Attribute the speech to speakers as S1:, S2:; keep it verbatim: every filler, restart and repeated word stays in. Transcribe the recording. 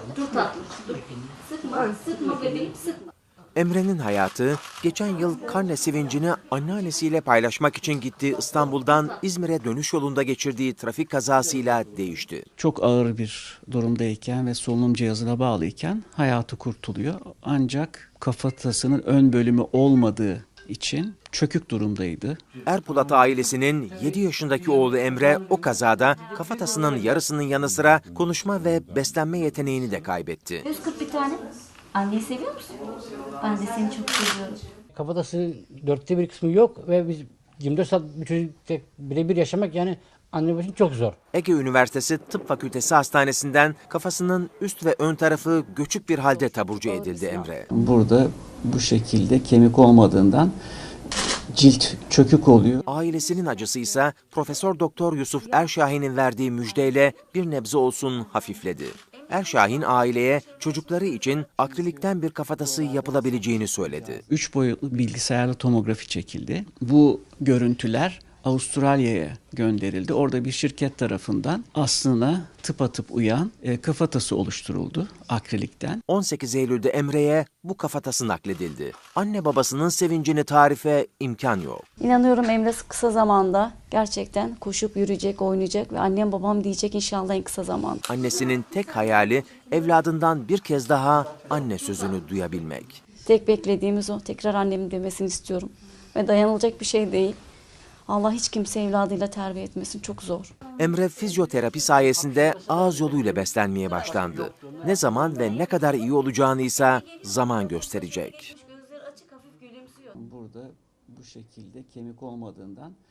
S1: Dur tatlım, dur. Sıkma, sıkma bebeğim, sıkma.
S2: Emre'nin hayatı geçen yıl karne sevincini anneannesiyle paylaşmak için gittiği İstanbul'dan İzmir'e dönüş yolunda geçirdiği trafik kazasıyla değişti.
S3: Çok ağır bir durumdayken ve solunum cihazına bağlıyken hayatı kurtuluyor. Ancak kafatasının ön bölümü olmadığı için çökük durumdaydı.
S2: Erpulat ailesinin yedi yaşındaki oğlu Emre o kazada kafatasının yarısının yanı sıra konuşma ve beslenme yeteneğini de kaybetti.
S1: yüz kırk bir tane. Anneyi seviyor musun? Ben de seni çok seviyorum.
S4: Kafatası dörtte bir kısmı yok ve biz yirmi dört saat bir çocuk tek birebir yaşamak yani anne için çok zor.
S2: Ege Üniversitesi Tıp Fakültesi Hastanesi'nden kafasının üst ve ön tarafı göçük bir halde taburcu edildi Emre.
S3: Burada bu şekilde kemik olmadığından cilt çökük oluyor.
S2: Ailesinin acısı ise Profesör Doktor Yusuf Erşahin'in verdiği müjdeyle bir nebze olsun hafifledi. Erşahin aileye çocukları için akrilikten bir kafatası yapılabileceğini söyledi.
S3: Üç boyutlu bilgisayarlı tomografi çekildi. Bu görüntüler Avustralya'ya gönderildi. Orada bir şirket tarafından aslına tıpatıp uyan e, kafatası oluşturuldu akrilikten.
S2: on sekiz Eylül'de Emre'ye bu kafatası nakledildi. Anne babasının sevincini tarife imkan yok.
S5: İnanıyorum Emre kısa zamanda gerçekten koşup yürüyecek, oynayacak ve annem babam diyecek inşallah en kısa zamanda.
S2: Annesinin tek hayali evladından bir kez daha anne sözünü duyabilmek.
S5: Tek beklediğimiz o. Tekrar annemin demesini istiyorum. Ve dayanılacak bir şey değil. Allah hiç kimse evladıyla terbiye etmesin. Çok zor.
S2: Emre fizyoterapi sayesinde ağız yoluyla beslenmeye başlandı. Ne zaman ve ne kadar iyi olacağını ise zaman gösterecek.
S1: Gözleri açık, hafif gülümsüyor.
S3: Burada bu şekilde kemik olmadığından